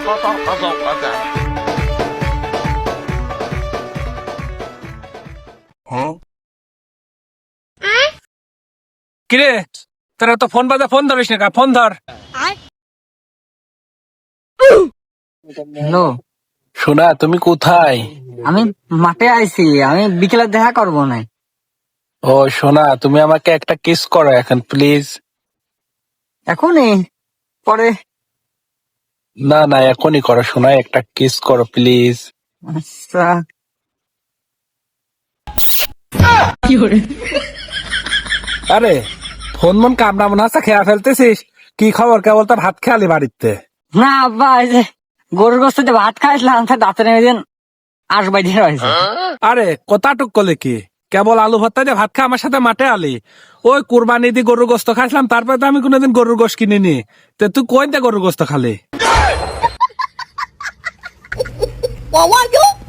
কিরে তোরা তো ফোন বাজে, ফোন ধরিস না, ফোন ধর। হ্যালো, শোনা, তুমি কোথায়? আমি মাঠে আইছি, আমি বিকেলে দেখা করবো না। ও শোনা, তুমি আমাকে একটা কিস করো এখন প্লিজ। এখনই? পরে? না না, এখনই করো শোনা, একটা কিস করো প্লিজ। আচ্ছা। আরে ফোন মন কামড়া মনে হচ্ছে খেয়া ফেলতেছিস? কি খবর, কেবল তো ভাত খেয়ালি বাড়িতে? না আব্বা, এই যে গরুর গোস্তে ভাত খাইছিলাম, দাঁতে নেমে দিন আসবাই দিয়ে রয়েছে। আরে কোথাটুক করলে কি, কেবল আলু ভর্তা দিয়ে ভাত খা আমার সাথে মাঠে আলি? ওই কুরবানি দিয়ে গরুর গোস্ত খাইছিলাম, তারপরে তো আমি কোনোদিন গরুর গোস্ত কিনিনি। তে তুই কই দিয়ে গরুর গোস্ত খালি?